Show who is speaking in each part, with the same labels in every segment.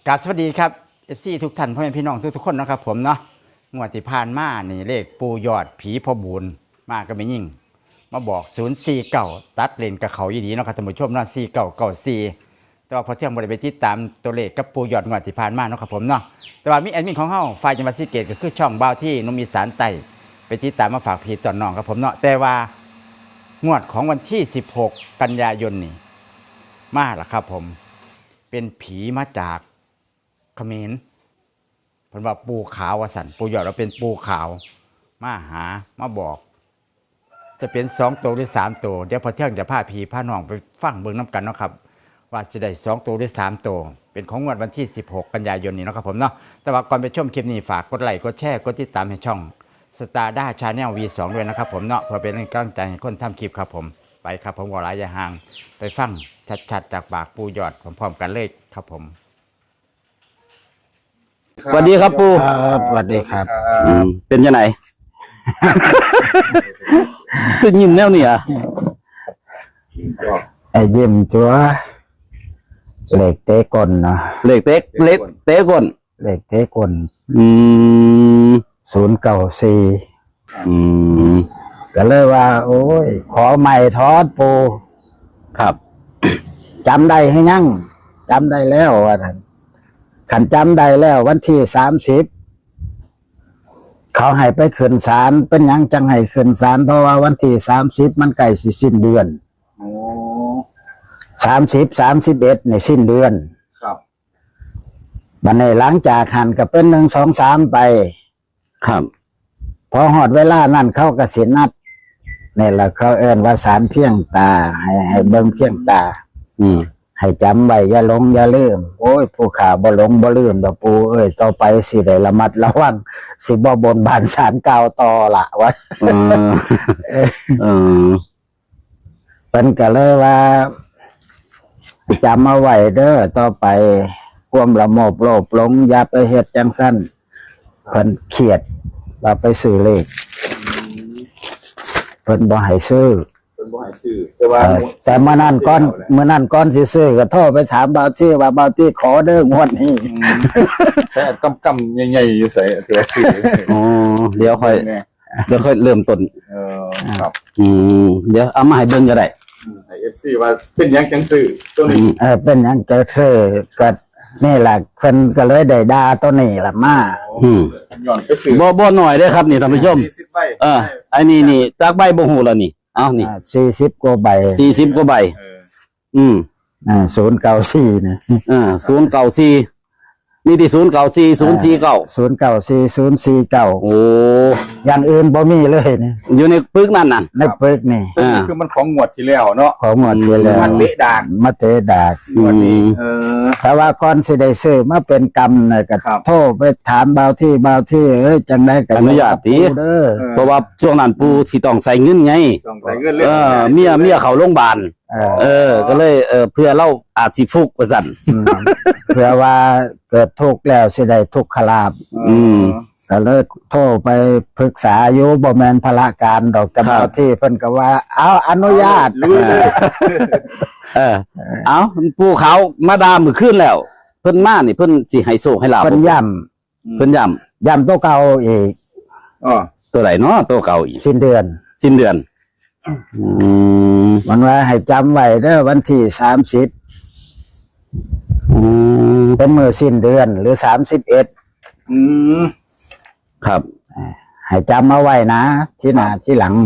Speaker 1: กราบสวัสดีครับ FC ทุกท่านพ่อแม่พี่น้องทุกคนนะครับผมเนาะงวดที่ผ่านมานี่เลขปูยอดผีพ่อบุญมาก็ไม่ยิ่งมาบอก049ตัดเลนกับเขายีดีเนาะครับท่านผู้ชมเนาะ4994แต่ว่าพอเที่ยงบ่ได้ไปติดตามตัวเลขกับปูยอดงวดที่ผ่านมาเนาะครับผมเนาะแต่ว่ามีแอดมินของเฮาฝ่ายจังหวัดศรีสะเกษก็คือช่องบ่าวที่นมอีสานใต้ไปติดตามมาฝากพี่ตอนน้องครับผมเนาะแต่ว่างวดของวันที่16กันยายนนี่มาล่ะครับผมเป็นผีมาจากเขมรเพิ่นว่าปูขาววสันปูยอดเราเป็นปูขาวมาหามาบอก จะเป็น2ตัวหรือ3ตัวเดี๋ยวพอเที่ยงจะพาพี่พาน้องไปฟังเบิ่งน้ำกันเนาะครับว่าจะได้2ตัวหรือ3ตัวเป็นของงวดวันที่16กันยายนนี้เนาะครับผมเนาะแต่ว่าก่อนไปชมคลิปนี้ฝากกดไลค์กดแชร์กดติดตามให้ช่องสตาร์ด้าชาแนล V2 ด้วยนะครับผมเนาะเพื่อเป็นกำลังใจให้คนทำคลิปครับผมไปครับผมวอลายอย่าห่างไปฟังชัดๆจากปากปูยอดพร้อมๆกันเลยครับผม
Speaker 2: สวัสดีครับปู่
Speaker 3: ครับสวัสดีครับ
Speaker 2: เป็นยังไง ซึ่งยิ้มแนวนี่อ่ะ
Speaker 3: ไอ้ยิ้มตัวเหล็กเตะกลเนาะ
Speaker 2: เล็กเต๊กเล็กเต๊กก่อน
Speaker 3: เหล็กเตะกล
Speaker 2: อืม
Speaker 3: 094
Speaker 2: อืม
Speaker 3: ก็เลยว่า โอ้ย ขอใหม่ทอดปู
Speaker 2: ครับ
Speaker 3: จำได้ให้ยั่งจำได้แล้วว่าท่านขันจำได้แล้ววันที่30เขาให้ไปขึ้นศาลเป็นหยังจังให้ขึ้นศาลเพราะว่าวันที่30มันใกล้สิสิ้นเดือน30 31ในสิ้นเดือน
Speaker 2: ครับ
Speaker 3: บัดนี้หลังจากหันก็เป็น1 2 3ไป
Speaker 2: ครับ
Speaker 3: พอหอดเวลานั่นเขาก็สินัดนี่แหละเขาเอิ้นว่าสารเพียงตาให้เบิ่งเพียงตา
Speaker 2: อืม
Speaker 3: ให้จำไว้อย่าหลงอย่าลืมโอ้ยผู้ข่าบ่หลงบ่ลืมดอกปูเอ้ยต่อไปสิได้ระมัดระวังสิบ่บนบานศาลกล่าวต่อละวะ
Speaker 2: เออเออ
Speaker 3: เพิ่นก็เลยว่าจำเอาไว้เด้อต่อไปความละโมบโลภหลงอย่าไปเฮ็ดจังซั่นเพิ่นเครียดว่าไปซื้อเลขเพิ่นบ่ให้ซื้อ
Speaker 4: เป็นบ่ให้ซื้อแต่ว่า
Speaker 3: แต่เมื่อนั้นก่อนสิซื้อก็โทรไปถามบ่าวที่ว่าบ่าวที่ขอเด้องวดนี้
Speaker 4: ใช้กำใหญ่ๆอยู่ใส่ถือว่าซื้อ
Speaker 2: อ๋อเดี๋ยวค่อยเริ่มต้น
Speaker 4: ครับ
Speaker 2: เดี๋ยวเอามาให้เบิ่งก็ได้
Speaker 4: ให้ FC ว่าเป็นหยังจังซื้อตัวนี้
Speaker 3: เป็นหยังจะซื้อก็นี่แหละเพิ่นก็เลยได้ด่าตัวนี้ล่ะมา
Speaker 4: ย้อนไปซื้อ
Speaker 2: บ่หน่อยเด้อครับนี่ท่านผู้ชม
Speaker 4: 40ใบ
Speaker 2: ไอ้นี่จากใบบ่ฮู้แล้วนี่เอานี่
Speaker 3: 40กว่าใบ
Speaker 2: 40กว่าใบ อืม
Speaker 3: 094นะ
Speaker 2: 094มีที่094 049
Speaker 3: 094
Speaker 2: โอ้
Speaker 3: 049อย่างอื่นบ่มีเลยนี่
Speaker 2: อยู่ในปึกนั่นน่ะ
Speaker 3: ในปึกนี่
Speaker 4: คือมันของงวดที่แล้วเนาะ
Speaker 3: ของหมดที่แล้ว
Speaker 4: มันเบะดาก
Speaker 3: มาเตะดาก
Speaker 4: งวดนี้
Speaker 3: แต่ว่าก่อนสิได้ซื้อมาเป็นกรรมน่ะก็
Speaker 4: ครับ
Speaker 3: โทรไปถามบ่าวที่เอ้ยจังได๋ก็
Speaker 2: อนุญาตติ
Speaker 3: เด้อ
Speaker 2: เพราะว่าช่วงนั้นปู่สิต้องใส่เงินไง
Speaker 4: ต้องใส่เงินเล่น
Speaker 2: เมียเข้าโรงพยาบาล
Speaker 3: เออ
Speaker 2: ก็เลยเพื่อเราอาจสิฟุกว่าซั่น
Speaker 3: เพื่อว่าเกิดทุกข์แล้วสิได้ทุกขลาภก็เลยโทรไปปรึกษาอยู่บ่แม่นภาระการดอกแต่บ่าวที่เพิ่นก็ว่าเอาอนุญาต
Speaker 4: รู้เลย
Speaker 2: เอาปู่เขามาดามมื้อคืนแล้ว เพิ่นมานี่เพิ่นสิให้โชคให้ลาภ
Speaker 3: เพิ่นย้
Speaker 2: เพิ่นย้ำ
Speaker 3: ย้ำตัวเก่าอีก
Speaker 2: ตัวไหนเนาะตัวเก่าอีก
Speaker 3: สิ้นเดือน
Speaker 2: สิ้นเดือน
Speaker 3: มันว่าให้จำไว้เด้อวันที่30เป็นมื้อสิ้นเดือนหรือ31
Speaker 2: ครับ
Speaker 3: ให้จำเอาไว้นะที่หน้าที่หลัง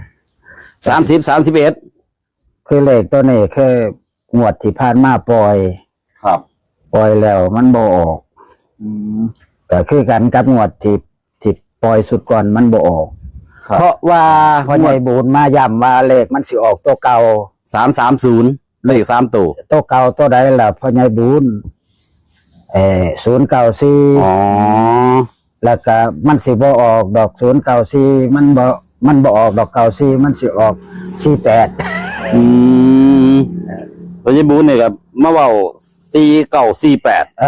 Speaker 2: 30 31
Speaker 3: คือเลขตัวนี้คืองวดที่ผ่านมาปล่อย
Speaker 4: ครับ
Speaker 3: ปล่อยแล้วมันบ่ออกก็คือกันกับงวดที่ปล่อยสุดก่อนมันบ่ออก
Speaker 2: เพราะว่า
Speaker 3: พ่อใหญ่บูญมาย้ำว่าเลขมันสิออกตัวเก่า
Speaker 2: 330เลข3ตัว
Speaker 3: ตัวเก่าตัวใดล่ะพ่อใหญ่บูญ094
Speaker 2: อ๋อ
Speaker 3: แล้วก็มันสิบ่ออกดอก094มันบ่ออกดอก94มันสิออก48
Speaker 2: พระเยบูนเนี่ยครับมาเว้า4948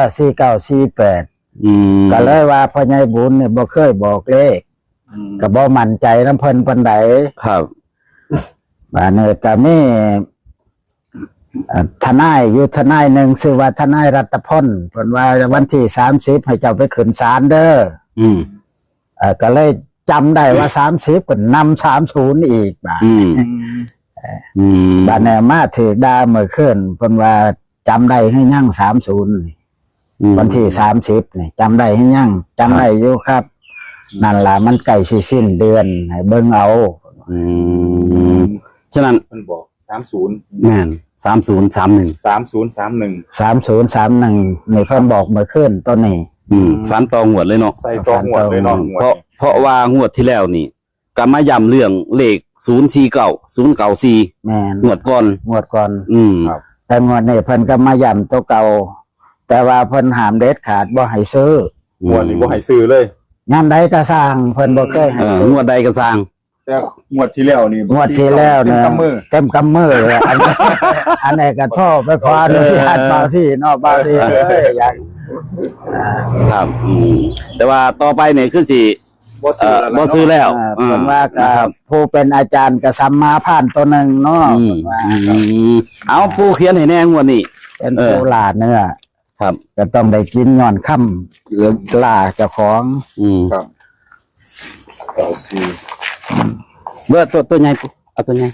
Speaker 3: 4948ก็เลยว่าพ่อใหญ่บุญเนี่ยบ่เคยบอกเลขก็บ่มั่นใจนำเพิ่นปานใด
Speaker 2: ครับ
Speaker 3: บาดนี้ก็มีทนายอยู่ทนายหนึ่งชื่อว่าทนายรัตพลเพิ่นว่าวันที่30ให้เจ้าไปขึ้นศาลเด้อ
Speaker 2: อืม
Speaker 3: ก็เลยจำได้ว่า30ก็นำ30อีกบาด
Speaker 2: อืมอืม
Speaker 3: บาดแนมาถือดาเมื่อคืนเพิ่นว่าจำได้ให้ยั่ง30วันที่30นี่จำได้ให้ยั่งจำได้อยู่ครับ นั่นล่ะมันใกล้สิสิ้นเดือนให้เบิ่งเอา
Speaker 2: อืมฉะนั้น
Speaker 4: มันบอก30
Speaker 2: แม่น3031
Speaker 4: 3031
Speaker 3: 3031นี่เพิ่นบอกเมื่อคืนต้นนี้
Speaker 2: ฝันตองหวดเลยเนาะ
Speaker 4: ใส่ตัวหมวดเลยเนาะหมวด
Speaker 2: เพราะว่างวดที่แล้วนี่ก็มาย้ำเรื่องเลข049
Speaker 3: แม่น
Speaker 2: 094งวดก่อน
Speaker 3: งวดก่อน
Speaker 4: ครับ
Speaker 3: แต่งวดนี้เพิ่นก็มาย้ำตัวเก่าแต่ว่าเพิ่นห้ามเด็ดขาดบ่ให้ซื้อ
Speaker 4: หมวดนี่บ่ให้ซื้อเลย
Speaker 3: ยามใดก็สร้างเพิ่นบ่เคยให้ซื้อ
Speaker 2: งวดใดก็สร้าง
Speaker 4: แต่หมวดที่แล้วนี่
Speaker 3: งวดที่แล้ว
Speaker 4: เต็ม
Speaker 3: เนี่ย
Speaker 4: กำมือ
Speaker 3: เต็มกำมือเลยอันนี้ อันนี้ก็โทษไปขออนุญาตเบาที่เนอกเบาที่เลยอยาก
Speaker 2: ครับแต่ว่าต่อไปเนี่ยคือสิ
Speaker 4: บ่ซื้อแล้ว
Speaker 2: บ่ซื้อแล้ว
Speaker 3: เพิ่นว่าก็
Speaker 2: นะครับ
Speaker 3: ผู้เป็นอาจารย์ก็สัมมาผ่านตัวหนึงเนาะ
Speaker 2: อืม
Speaker 3: เพิ่นว่า
Speaker 2: เอาผู้เขียนให้แน่งวดนี้
Speaker 3: เป็นผู้ล่าเนื้อ
Speaker 2: ครับ
Speaker 3: ก็ต้องได้กินย้อนค่ำหรือล่าเจ้าของ
Speaker 4: ครับเอาซี
Speaker 2: เบอร์ตัวใหญ่ปุ๊เอาตัวใหญ่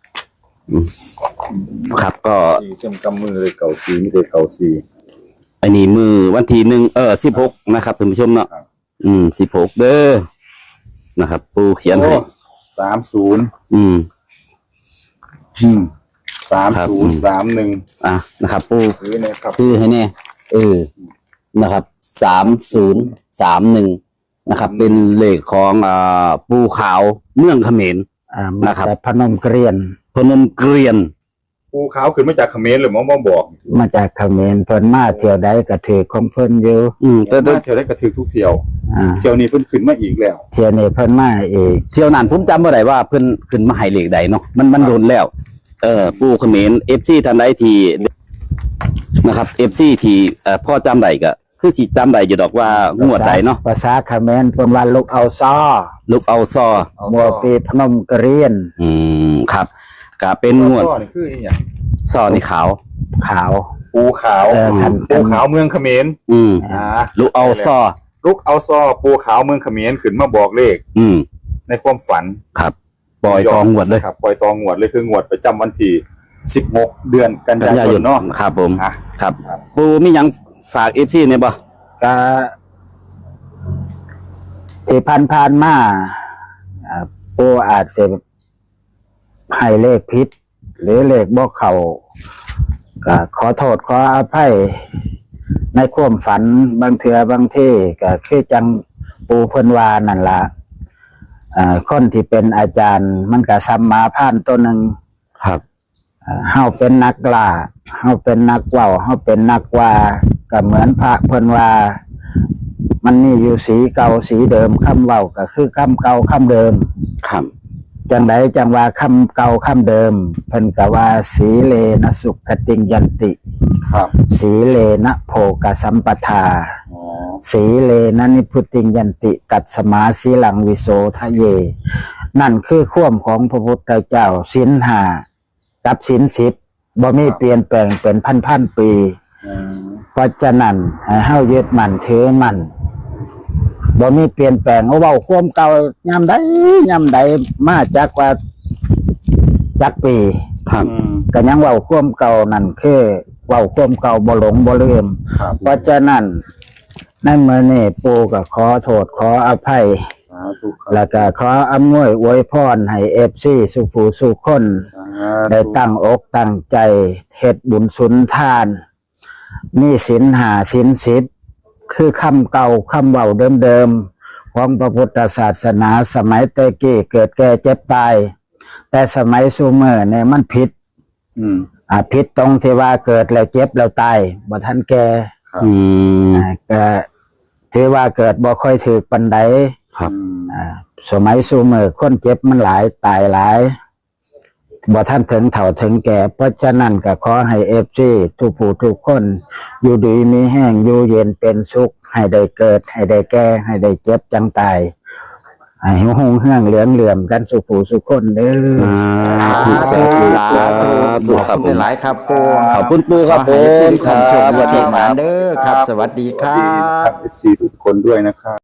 Speaker 2: ครับก็
Speaker 4: ซีเต็มกำมือเลยเก่าซีไม่ได้เก่าซี
Speaker 2: อันนี้มือวันที่16นะครับท่านผู้ชมเนาะ
Speaker 4: ครับ
Speaker 2: 16เด้อนะครับผู้เขียนให้
Speaker 4: 30
Speaker 2: อืม
Speaker 4: 3031
Speaker 2: อ่ะนะครับผู้
Speaker 4: ซื้อเนี่ยครับ
Speaker 2: ชื่อให้แน่นะครับ3031นะครับ เป็นเลขของปูขาวเมืองเขมร
Speaker 3: มา
Speaker 2: นะครับ
Speaker 3: แต่พนมเกรียน
Speaker 2: พนมเกรียน
Speaker 4: ภูเขาขึ้นมาจากเขมรหรือหมอมาบอก
Speaker 3: มาจากเขมรเพิ่นมาเที่ยวใดก็ถือของเพิ่นอยู่
Speaker 2: แต่
Speaker 4: มาเที่ยวได้กระถือทุกเที่ยว
Speaker 3: อ่า
Speaker 4: เที่ยวนี้เพิ่นขึ้นมาอีกแล้ว
Speaker 3: เที่ยวนี้เพิ่นมาอีก
Speaker 2: เที่ยวนั้นผมจำบ่ได้ว่าเพิ่นขึ้นมาให้เลขใดเนาะมันโดนแล้ว ปูเขมร FC ท่านใดที่นะครับ FC ที่พ่อจำได้ก็คือสิจำได้อยู่ดอกว่างวดใดเนาะ
Speaker 3: ภาษาเขมรเพิ่นว่าลูกเอาซอ
Speaker 2: ลูกเอาซอ
Speaker 3: มัวปีพนมเกรียน
Speaker 2: ครับก็เป็นงวด
Speaker 4: ซ้อนี่คืออีหยัง
Speaker 2: ซอนี่ขาว
Speaker 3: ขาว
Speaker 4: ภูขาว
Speaker 3: คัน
Speaker 4: ภูขาวเมืองเขมร อ่า
Speaker 2: ลูกเอาซอ
Speaker 4: ลูกเอาซ้อภูขาวเมืองเขมรขึ้นมาบอกเลข ในความฝัน
Speaker 2: ครับปล่อยตองงวดเลย
Speaker 4: ครับปล่อยตองงวดเลยคืองวดประจำวันที่16เดือนกัน
Speaker 2: กันยาย
Speaker 4: าย ย
Speaker 2: น
Speaker 4: นเนาะ
Speaker 2: ครับผม
Speaker 4: อ่ะ
Speaker 2: ครับ
Speaker 4: ครับ
Speaker 2: ปูมีหยังฝาก FC เนี่ยบ่
Speaker 3: ก็ที่ผ่านมาผู้อาจจะให้เลขผิด หรือเลขบ่เข้าก็ขอโทษขออภัยในความฝันบางเทื่อบางที่ก็คือจังปูเพิ่นว่านั่นล่ะคนที่เป็นอาจารย์มันก็สัมมาผ่านตัวหนึ่ง
Speaker 2: ครับ
Speaker 3: เฮาเป็นนักล่าเฮาเป็นนักเว้าเฮาเป็นนักว่าก็เหมือนพระเพิ่นว่า มันมีอยู่สีเก่าสีเดิมคำเว้าก็คือคำเก่าคำเดิม
Speaker 2: ครับ
Speaker 3: จังใดจังว่าคำเก่าคำเดิมเพิ่นก็ว่าสีเลนะสุขติงยันติ
Speaker 4: ครับ
Speaker 3: สีเลนะโภกสัมปทา
Speaker 4: อ๋อ
Speaker 3: สีเลนะนิพุติงยันติตัดสมาสีหลังวิโสทะเย นั่นคือข่วมของพระพุทธเจ้าศีลห้ากับศีล10บ่มีเปลี่ยนแปลงเป็นพันปี
Speaker 4: อืม
Speaker 3: เพราะฉะนั้นให้เฮายึดมั่นถือมั่นบ่มีเปลี่ยนแปลงเอาเว้าความเก่ายามใดมาจากว่าจักปี
Speaker 2: ครับ
Speaker 3: ก็ยังเว้าความเก่านั่นคือเว้าความเก่าบ่หลงบ่ลืม
Speaker 4: ครับ
Speaker 3: เพราะฉะนั้นในมื้อนี้ปู่ก็ขอโทษขออภัย
Speaker 4: สาธุครับ
Speaker 3: แล้วก็ขออำนวยอวยพรให้ FC สุขผู้สุขคน
Speaker 4: สา
Speaker 3: ได้
Speaker 4: ธุ
Speaker 3: ตั้งอกตั้งใจเฮ็ดบุญสุนทาน มีศีลห้าศีล10คือคำเก่าคำเว้าเดิมๆของพระพุทธศาสนาสมัยแต่กี้เกิดแก่เจ็บตาย แต่สมัยซูเมอร์เนี่ยมันผิด
Speaker 4: อืม
Speaker 3: ผิดตรงที่ว่าเกิดแล้วเจ็บแล้วตายบ่ทันแก่
Speaker 2: อืม
Speaker 3: ก็ถือว่าเกิดบ่ค่อยถือปานใด
Speaker 2: ครับ
Speaker 3: สมัยซูเมอร์คนเจ็บมันหลายตายหลายบ่ท่านถึงเฒ่าถึงแก่เพราะฉะนั้นก็ขอให้FCทุกผู้ทุกคน อยู่ดีมีแห้งอยู่เย็นเป็นสุข ให้ได้เกิด ให้ได้แก่ให้ได้เจ็บจังตายให้หงเฮืองเหลื่อมกันสุผู้สุคนเด้อ
Speaker 2: สาธุสาธุ
Speaker 1: ขอบคุณหลายครับปู
Speaker 2: ขอบคุณปู่ครับ
Speaker 1: ขอให้ FC
Speaker 2: ผม
Speaker 1: ทุกท่านโชค
Speaker 2: ครับ
Speaker 1: ดีมากเด้อครับ สวัสดีครั
Speaker 4: ครับ บ FC ทุกคนด้วยนะครับ